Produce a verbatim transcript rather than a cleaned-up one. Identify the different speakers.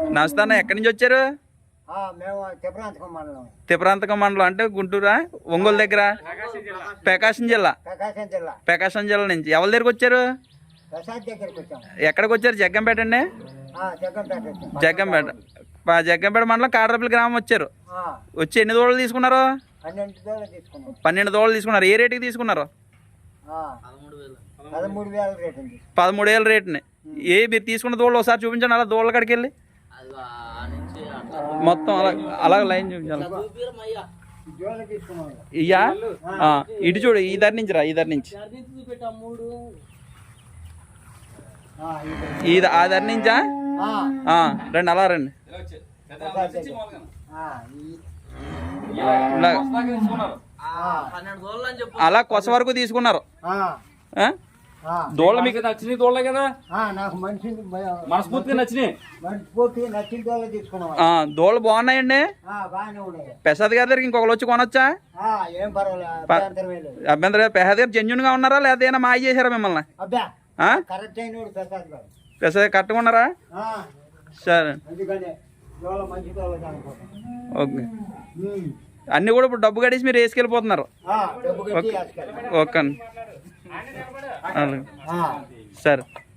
Speaker 1: నమస్తే అన్న, ఎక్కడి నుంచి వచ్చారు? తిప్రాంతకం మండలం అంటే గుంటూరా, ఒంగోలు దగ్గర, ప్రకాశం జిల్లా. ప్రకాశం జిల్లా నుంచి ఎవరి దగ్గరికి వచ్చారు? ఎక్కడికి వచ్చారు? జగ్గంపేట అండి. జగ్గంపేట జగ్గంపేట మండలం కాడరపల్లి గ్రామం వచ్చారు. వచ్చి ఎన్ని దూడలు తీసుకున్నారు? పన్నెండు దూడలు తీసుకున్నారు. ఏ రేటుకి తీసుకున్నారు? పదమూడు వేల రేటుని. ఏ మీరు తీసుకున్న దూడలు ఒకసారి చూపించండి, అలా దూడల కాడికి వెళ్ళి మొత్తం అలా అలా లైన్ చూపించాలి. ఇయ్యా ఇటు చూడు, ఈ ధర నుంచి రా, ఈ ధర నుంచి ఈ ఆ ధర నుంచా రండి, అలా రండి. అలా కొస వరకు తీసుకున్నారు. దోళ్ళ మీకు నచ్చిన దోళ్ళే కదా, నాకు మంచి మనస్ఫూర్తిగా నచ్చినాయి. దోళ్ళు బాగున్నాయండి. ప్రసాద్ గారి దగ్గర ఇంకొకరు వచ్చి కొనొచ్చా? అభ్యంతరం. ప్రసాద్ గారు జెన్యున్ గా ఉన్నారా లేదా ఏమైనా మాయ చేశారా మిమ్మల్ని? ప్రసాద్ కరెక్ట్గా ఉన్నారా? సరే ఓకే. అన్ని కూడా ఇప్పుడు డబ్బు కట్టేసి మీరు వేసుకెళ్ళిపోతున్నారు. ఓకే అండి, సరే.